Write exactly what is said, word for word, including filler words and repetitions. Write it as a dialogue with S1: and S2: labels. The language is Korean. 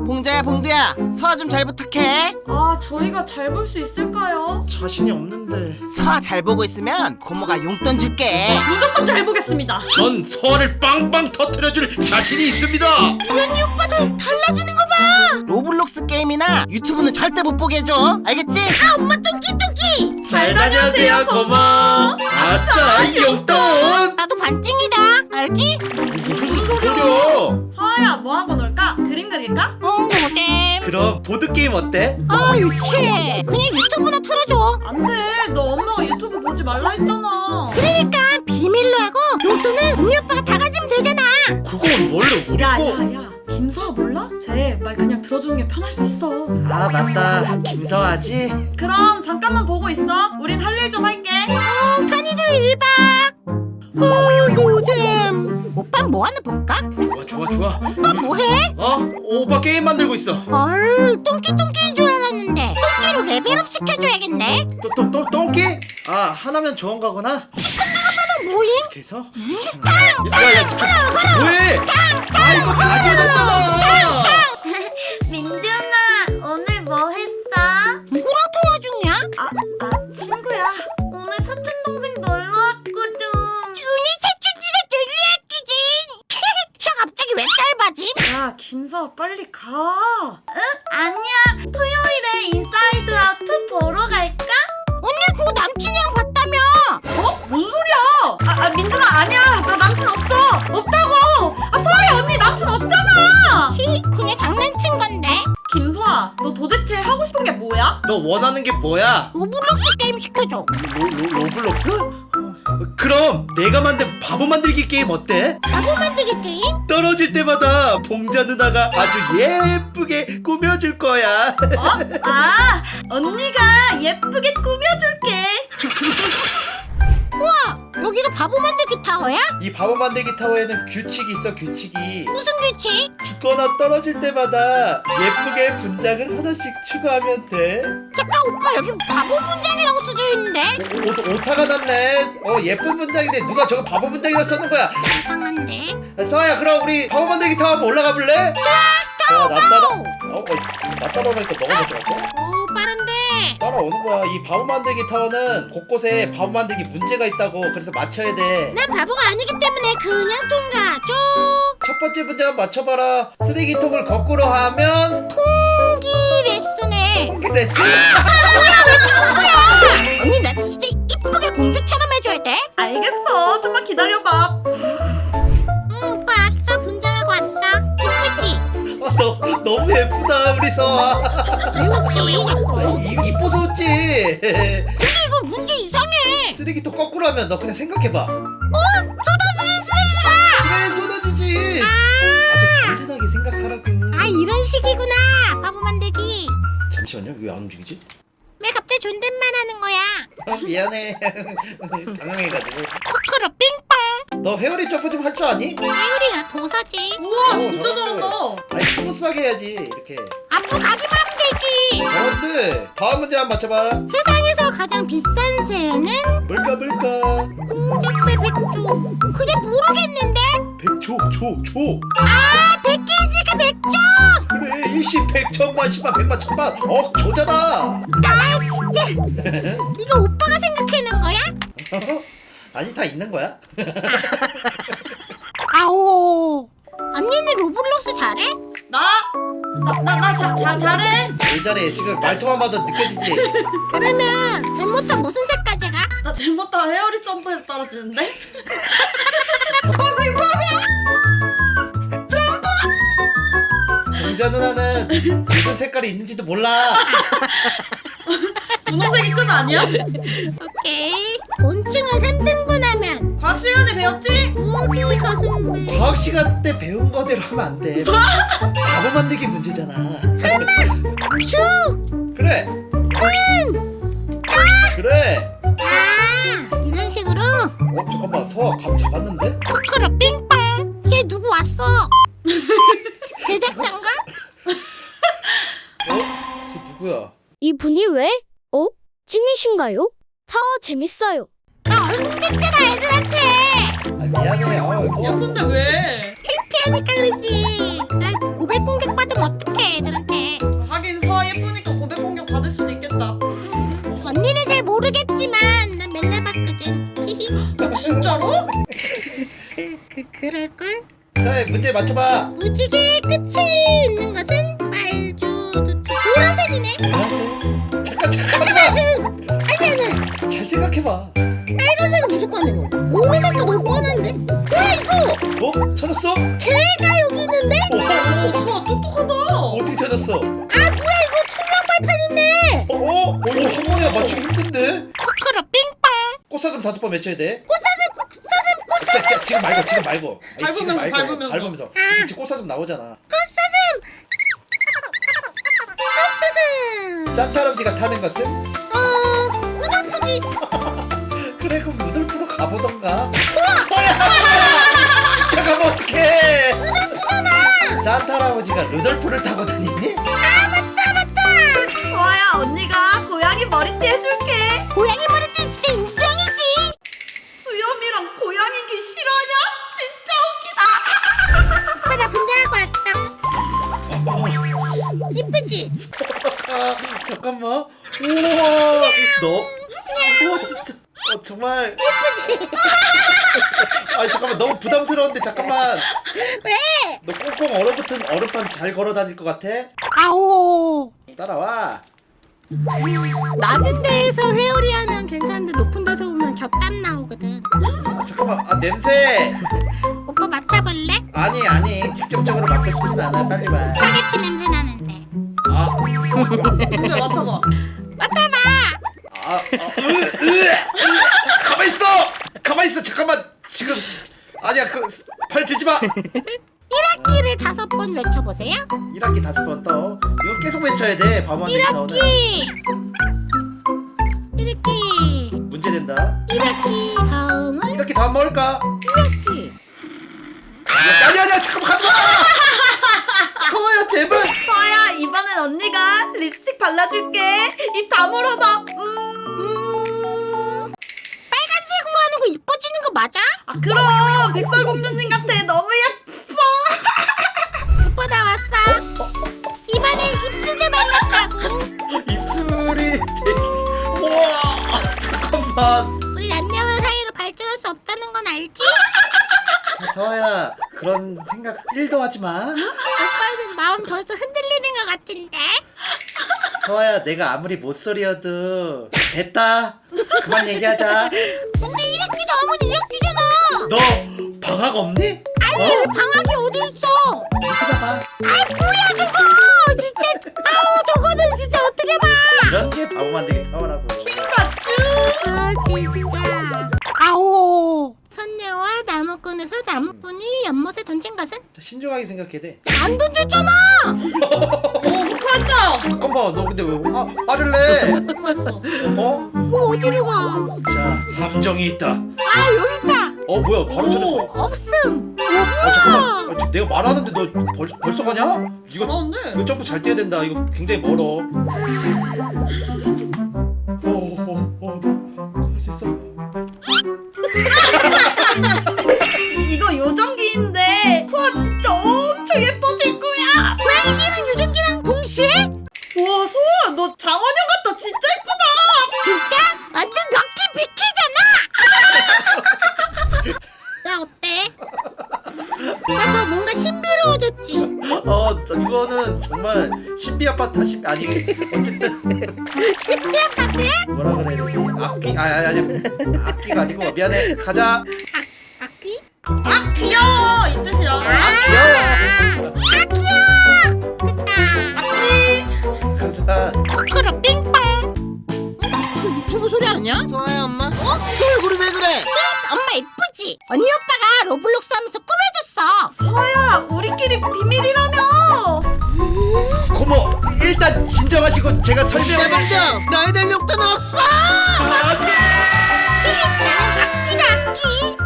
S1: 봉자야 봉두야, 서아 좀 잘 부탁해.
S2: 아, 저희가 잘 볼 수 있을까요?
S3: 자신이 없는데.
S1: 서아 잘 보고 있으면 고모가 용돈 줄게.
S2: 무조건 잘 보겠습니다.
S3: 전 서아를 빵빵 터뜨려줄 자신이 있습니다.
S1: 유연이 오빠들 달라지는 거 봐. 로블록스 게임이나 유튜브는 절대 못 보게 해줘. 알겠지? 아, 엄마 똥끼 똥끼.
S3: 잘 다녀오세요 고모. 아싸 용돈.
S1: 나도 반띵이다. 알지?
S3: 무슨 소리야?
S2: 서아야, 뭐하고 놀까? 그림 그릴까?
S1: 어, 뭐게?
S3: 그럼 보드게임 어때?
S1: 아, 유치해. 그냥 유튜브나 틀어줘.
S2: 안 돼. 너 엄마가 유튜브 보지 말라 했잖아.
S1: 그러니까 비밀로 하고 용돈은 우리 오빠가 다 가지면 되잖아.
S3: 그건 원래 우리
S2: 야,
S3: 거.
S2: 야, 야. 김서아 몰라? 쟤 말 그냥 들어주는 게 편할 수 있어.
S3: 아 맞다, 김서아지.
S2: 그럼 잠깐만 보고 있어. 우린 할 일 좀 할게.
S1: 어, 편의들 일 박. 어, 노잼. 오빠 뭐 하나 볼까?
S3: 좋아 좋아 좋아.
S1: 오빠 뭐해?
S3: 어? 오빠 게임 만들고 있어.
S1: 헐, 똥끼똥끼인 줄 알았는데 똥끼로 레벨업 시켜줘야겠네.
S3: 또 또 또 똥기? 아 하나면 좋은 거구나.
S1: 너 뭐임?
S3: 이렇게 해서. 야야야 뭐해? 아 이거 다 들었잖아.
S2: 민준아, 오늘 뭐 했어?
S1: 누구랑 통화 중이야?
S2: 아, 아, 친구야. 오늘 사촌 동생 놀러 왔거든.
S1: 준이 사춘기가 놀려왔거든. 혀 갑자기 왜 짧아지?
S2: 야, 김서아 빨리 가. 응? 아니야. 토요일에 인사이드 아웃 보러 갈까?
S1: 언니 그거 남친이랑 봤다며.
S2: 어? 뭔 소리야? 아, 아 민준아, 아니야. 나 남친 없어. 없다고. 아, 서아야 언니 남친 없잖아.
S1: 히, 그냥 장난친 건데.
S2: 김서아, 너 도대체 하고 싶은 게 뭐야?
S3: 너 원하는 게 뭐야?
S1: 로블록스 게임 시켜줘.
S3: 로, 로, 로블록스? 어, 그럼 내가 만든 바보 만들기 게임 어때?
S1: 바보 만들기 게임?
S3: 떨어질 때마다 봉자 누나가 아주 예쁘게 꾸며줄 거야.
S2: 어? 아, 언니가 예쁘게 꾸며줄게.
S1: 우와, 여기가 바보 만들기 타워야?
S3: 이 바보 만들기 타워에는 규칙이 있어, 규칙이.
S1: 무슨 규칙?
S3: 죽거나 떨어질 때마다 예쁘게 분장을 하나씩 추가하면 돼.
S1: 잠깐 오빠, 여기 바보 분장이라고 써져 있는데.
S3: 오, 오, 오타가 났네. 어, 예쁜 분장인데 누가 저거 바보 분장이라 쓰는 거야?
S1: 이상한데.
S3: 서아야, 그럼 우리 바보 만들기 타워 한번 올라가 볼래?
S1: 따로
S3: 나 따라.
S1: 가오.
S3: 어, 어, 나 따라오니까 너가 먼저 갈까?
S1: 오, 빠른데.
S3: 따라오는 거야. 이 바보 만들기 타워는 곳곳에 바보 만들기 문제가 있다고. 그래서 맞춰야 돼.
S1: 난 바보가 아니기 때문에 그냥 통과. 쭉.
S3: 첫 번째 문제 한번 맞춰봐라. 쓰레기통을 거꾸로 하면
S1: 통기 레슨에.
S3: 그랬어.
S1: 언니 나 진짜 이쁘게 공주처럼 해줘야 돼.
S2: 알겠어. 좀만 기다려봐.
S1: 응, 오빠 왔어. 분장하고 왔어. 이쁘지?
S3: 아, 너, 너무 예쁘다 우리 서아.
S1: 왜 웃지 자꾸?
S3: 이, 이뻐서 웃지.
S1: 근데 이거 문제 이상해.
S3: 쓰레기통 거꾸로 하면 너 그냥 생각해봐.
S1: 어? 쏟아지는 쓰레기가.
S3: 그래 쏟아지지.
S1: 아,
S3: 아주 단순하게 생각하라고.
S1: 아 이런 식이구나. 바보 만들기.
S3: 잠시만요. 왜 안 움직이지?
S1: 왜 갑자기 존댓말 하는 거야?
S3: 아, 미안해. 당황해가지고.
S1: 코코로 빙빵.
S3: 너 회오리 점프 좀 할 줄 아니?
S1: 회오리가 도사지.
S2: 우와,
S3: 오,
S2: 진짜
S3: 잘하네.
S2: 잘한다.
S3: 아니 스무스하게 해야지 이렇게.
S1: 앞으로 가기만 하면 되지.
S3: 여러분들 다음 문제 한번 맞춰봐.
S1: 세상에서 가장 비싼 새는
S3: 뭘까 뭘까?
S1: 공작새 백조. 그래 모르겠는데.
S3: 백조 조 조.
S1: 아 백개지가 백조.
S3: 그래 일십 백 천만 십만 백만 천만 억 조잖아.
S1: 아 진짜. 이거 오빠가 생각해낸 거야?
S3: 아니 다 있는 거야?
S1: 아오. 언니는 로블록스 잘해?
S2: 나? 나, 나, 나 자, 자, 잘해.
S3: 왜 잘해? 지금 말투만 봐도 느껴지지?
S1: 그러면 잘못한 무슨 색까지 가?
S2: 나 잘못다 헤어리 점프해서 떨어지는데?
S3: 공자 누나는 무슨 색깔이 있는지도 몰라.
S2: 분홍색이 끝 아니야?
S1: 오케이. 곤충을 삼 등분하면
S2: 과학 시간에 배웠지?
S1: 우리 가슴 배.
S3: 과학 시간 때 배운 거대로 하면 안 돼. 바보 만들기 문제잖아.
S1: 축.
S3: 그래. 그래.
S1: 아 이런 식으로.
S3: 어 잠깐만 서아 감 잡았는데?
S1: 코코로 빙빵. 얘 누구 왔어? 제작자인가?
S3: 어? 쟤 누구야?
S4: 이분이 왜? 어? 찐이신가요? 타워 재밌어요.
S1: 나 얼굴 냈잖아 애들한테.
S3: 아 미안해. 아, 어.
S2: 예쁜데 왜?
S1: 창피해
S5: 예쁘다니까 그러지. 나 고백 공격 받으면 어떡해 애들한테.
S2: 하긴 서아 예쁘니까 고백 공격 받을 수도 있겠다.
S5: 언니는 잘 모르겠지만 난 맨날 봤거든. 히히.
S2: 진짜로?
S5: 그 그럴걸?
S3: 자 문제 맞춰봐.
S5: 무지개의 끝이 있는 것은 말주 보라색이네.
S3: 보라색? 잠깐 잠깐만.
S5: 지금 아니 아니
S3: 잘 생각해봐.
S5: 빨간색은 무조건 아니고 보라색도 너무 뻔한데. 뭐야 이거?
S3: 어? 찾았어?
S5: 개가 여기 있는데?
S3: 오,
S2: 오, 서아 똑똑하다.
S3: 어떻게 찾았어?
S5: 아 뭐야 이거 투명 발판 있네.
S3: 어? 어? 어 이거 한 번에 맞추기 힘든데?
S5: 코코로 삥빵.
S3: 꽃사슴 다섯 번 외쳐야 돼.
S5: 꽃사슴 꽃사슴 꽃사슴.
S3: 자, 자, 지금 말고 지금 말고. 아니, 지금
S2: 밟으면서,
S3: 말고
S2: 밟으면서.
S3: 밟으면서. 지금 꽃사슴 나오잖아.
S5: 꽃사슴. 꽃사슴.
S3: 산타 할아버지가 타는 것은?
S5: 어 루돌프지.
S3: 그래 그럼 루돌프로 가보던가. 뭐야? 진짜 가면 어떡해? 루돌프잖아. 산타 할아버지가 루돌프를 타고 다니니?
S5: 아 맞다 맞다.
S2: 서아야, 언니가 고양이 머리띠 해줄게.
S5: 고양이 머리띠 진짜 인정이지.
S2: 수염이랑 고양이기 싫어하냐? 진짜 웃기다.
S5: 오빠 나 분장하고 왔다. 이쁘지?
S3: 아, 잠깐만. 우와. 너? 우와 진짜. 어 정말.
S5: 이쁘지?
S3: 아 잠깐만 너무 부담스러운데 잠깐만.
S5: 왜?
S3: 너 꽁꽁 얼어붙은 얼음판 잘 걸어 다닐 것 같아?
S5: 아오.
S3: 따라와.
S5: 낮은 데에서 회오리 하면 괜찮은데 높은 데서 오면 곁땀 나오거든.
S3: 아 잠깐만. 아 냄새.
S5: 오빠 맡아볼래?
S3: 아니 아니 직접적으로 맡고 싶진 않아. 빨리 와.
S5: 스파게티 냄새 나는데.
S3: 아 잠깐만.
S2: 근데 맡아봐.
S5: 맡아봐.
S3: 아, 아, 으, 으, 가만 있어. 가만 있어. 잠깐만. 지금 아니야 그 팔 들지 마.
S5: 일 학기를 다섯 번 외쳐보세요.
S3: 일 학기 다섯 번 떠. 이거 계속 외쳐야 돼. 밤원
S5: 일
S3: 데이터는.
S5: 학기. 일 학기.
S3: 문제 된다.
S5: 일 학기 다음은
S3: 일 학기 다음 뭘까?
S5: 일 학기.
S3: 아니 아니야 잠깐만 가지 마. 서아야 제발.
S2: 서아야, 이번엔 언니가 립스틱 발라줄게. 입 다물어봐. 음.
S5: 빨간색으로 하는 거 이뻐지는 거 맞아?
S2: 아, 그럼 백설공주님 같아. 너무 예뻐.
S5: 오빠 나 왔어. 이번에 입술 좀 발랐다고.
S3: 입술이 되게. 우와 잠깐만.
S5: 우리 남녀 사이로 발전할 수 없다는 건 알지?
S3: 서아야 그런 생각 일도 하지 마.
S5: 오빠는 마음 벌써 흔들리는 것 같은데?
S3: 서아야 내가 아무리 못소리여도 됐다. 그만 얘기하자.
S5: 근데 일 학기 다음은 이 학기잖아.
S3: 너 방학 없니?
S5: 아니
S3: 어?
S5: 방학이 어디 있어?
S3: 이렇게 봐봐.
S5: 아 뭐야 저거 진짜. 아우 저거는 진짜 어떻게 봐.
S3: 이런 게 바보 만들기 타워라고.
S2: 맞쥬?
S5: 아 진짜. 아오. 선녀와 나무꾼에서 나무꾼이 연못에 던진 것은?
S3: 자, 신중하게 생각해야 돼.
S5: 안 던졌잖아.
S2: 오, 북한다.
S3: 잠깐만 너 근데 왜 화, 화를 내?
S2: 북한했어.
S3: 어?
S5: 그럼 어디로 가?
S3: 자 함정이 있다.
S5: 아 여기 있다.
S3: 어 뭐야 바로 찾았어.
S5: 없음. 어
S3: 어
S5: 뭐야?
S3: 잠깐만. 아, 지금 내가 말하는데 너 벌, 벌써 가냐? 이거
S2: 잘하는데?
S3: 이거 점프 잘 뛰어야 된다. 이거 굉장히 멀어. 어어어너할 수 있어?
S2: 이- 이거 요정기인데 소아 진짜 엄청 예뻐질 거야.
S5: 고양이랑 유전기랑 동시에?
S2: 와, 소아 너 장원영 같다. 진짜 예쁘다.
S5: 진짜? 완전 럭키 비키잖아. 나 어때? 나 더 뭔가 신비로워졌지?
S3: 어 이거는 정말 신비 아파트 신 아니 어쨌든
S5: 신비 아파트?
S3: 뭐라 그래야 되지? 악기 아니 아니 아니 악기가 아니고 미안해 가자.
S5: 악기?
S2: 아, 귀여워. 이 뜻이야.
S3: 아 귀여워.
S5: 아 귀여워. 됐다.
S2: 악기.
S3: 가자.
S5: 코코로 빙빵. 이거 유튜브 소리 아니야?
S1: 서아야 엄마. 어? 너 얼굴이 왜 그래?
S5: 엄마 예쁘지? 언니 오빠가 로블록스 하면서 꾸며줬어.
S2: 서아야, 우리끼리 비밀이라며.
S3: 고모 일단 진정하시고 제가 설명.
S1: 대박이야. 나에 대한 욕도 없어.
S3: 안돼.
S5: 나는 악기다 악기.